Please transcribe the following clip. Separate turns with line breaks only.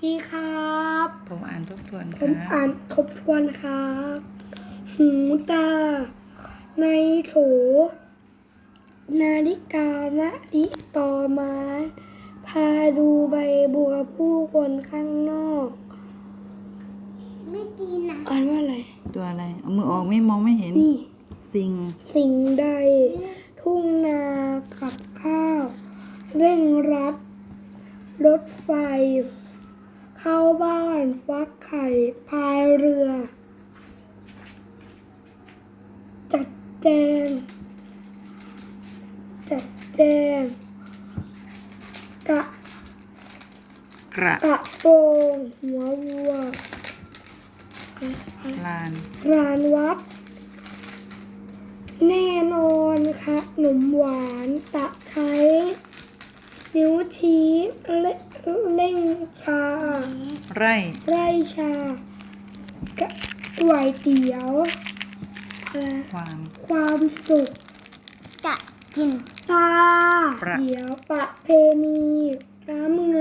ดีครับ
ผมอ่านทบทวนค
ผ
รั
ม
บ
อ่านทบทวนครับ หูตา ในโถ นาฬิกามะลิตอไม้ พาดูใบบัวผู้คนข้างนอก
ไม่ดีนะ
อ่านว่าอะไร
ตัวอะไร เอามือออกไม่มองไม่เห็น
นี่
สิ่ง
สิ่งใด ทุ่งนากับข้าว เร่งรัด รถไฟ เข้าบ้าน ฟักไข่ พายเรือ จัดแจง กะ
กระ
กระโปรงหัววัว
ลาน
รานวัด แน่นอนค่ะขนมหวานตะไคร้นิ้วชี้เล่งชา
ไร่
ไร่ชาก๋วยเตี๋ยวอะไร
ความ
ความสุข
จะกิน
ตา
ประ
เดี๋ยวประเพณีน้ำเงิ